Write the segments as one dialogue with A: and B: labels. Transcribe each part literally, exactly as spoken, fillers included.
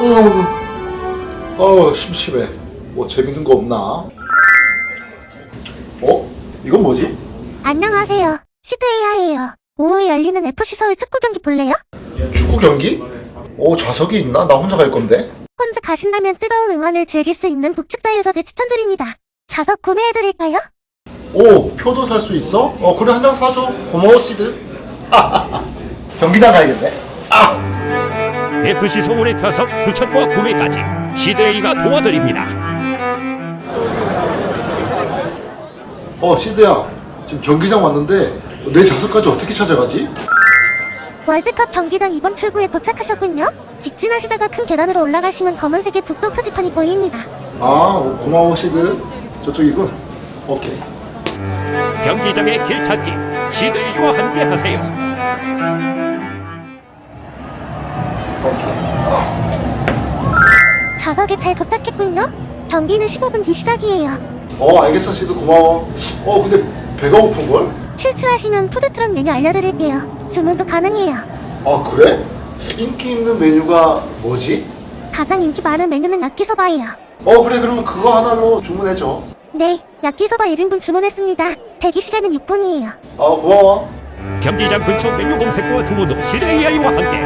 A: 어, 어 심심해. 뭐 재밌는 거 없나? 어? 이건 뭐지?
B: 안녕하세요. 시드에이아이예요. 오후에 열리는 에프씨 서울 축구 경기 볼래요?
A: 축구 경기? 어 좌석이 있나? 나 혼자 갈 건데.
B: 혼자 가신다면 뜨거운 응원을 즐길 수 있는 북측 좌석을 추천드립니다. 좌석 구매해드릴까요?
A: 오, 표도 살 수 있어? 어 그래 한 장 사줘. 고마워 시드. 경기장 가야겠네. 아!
C: 에프씨 서울의 좌석 추천과 구매까지 시드에이가 도와드립니다.
A: 어 시드야, 지금 경기장 왔는데 내 좌석까지 어떻게 찾아가지?
B: 월드컵 경기장 이번 출구에 도착하셨군요. 직진하시다가 큰 계단으로 올라가시면 검은색의 북도 표지판이 보입니다.
A: 아 고마워 시드. 저쪽이군. 오케이.
C: 경기장의 길 찾기 시드에이와 함께 하세요.
A: 오케이.
B: 좌석에 잘 도착했군요. 경기는 십오 분 뒤 시작이에요.
A: 어 알겠어 시드 고마워. 어 근데 배가 고픈걸?
B: 출출하시면 푸드트럭 메뉴 알려드릴게요. 주문도 가능해요.
A: 아 그래? 인기 있는 메뉴가 뭐지?
B: 가장 인기 많은 메뉴는 야끼소바예요.
A: 어 그래 그러면 그거 하나로 주문해줘.
B: 네, 야끼소바 일 인분 주문했습니다. 대기 시간은 육 분이에요.
A: 어 고마워.
C: 경기장 근처 메뉴 검색과 주문도 시드에이와 함께.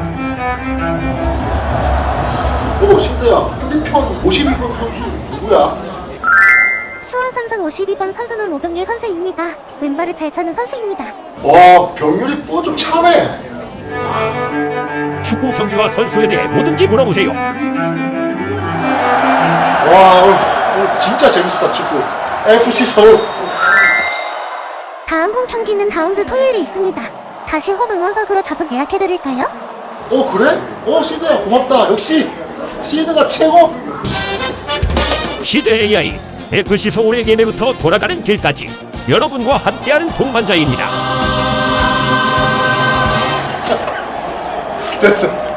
A: 오 시드야, 상대편 오십이 번 선수 누구야?
B: 수원 삼성 오십이 번 선수는 오병률 선수입니다. 왼발을 잘 차는 선수입니다.
A: 와 병률이 뭐 좀 차네.
C: 축구 경기와 선수에 대해 뭐든지 물어보세요.
A: 와 오늘, 오늘 진짜 재밌었다 축구. 에프씨 서울.
B: 다음 홈 경기는 다음 주 토요일에 있습니다. 다시 홈 응원석으로 좌석 예약해드릴까요?
A: 어 그래? 어 시드야 고맙다. 역시 시드가 최고.
C: 시드에이아이 에프씨 서울의 예매부터 돌아가는 길까지 여러분과 함께하는 동반자입니다.
A: 됐어.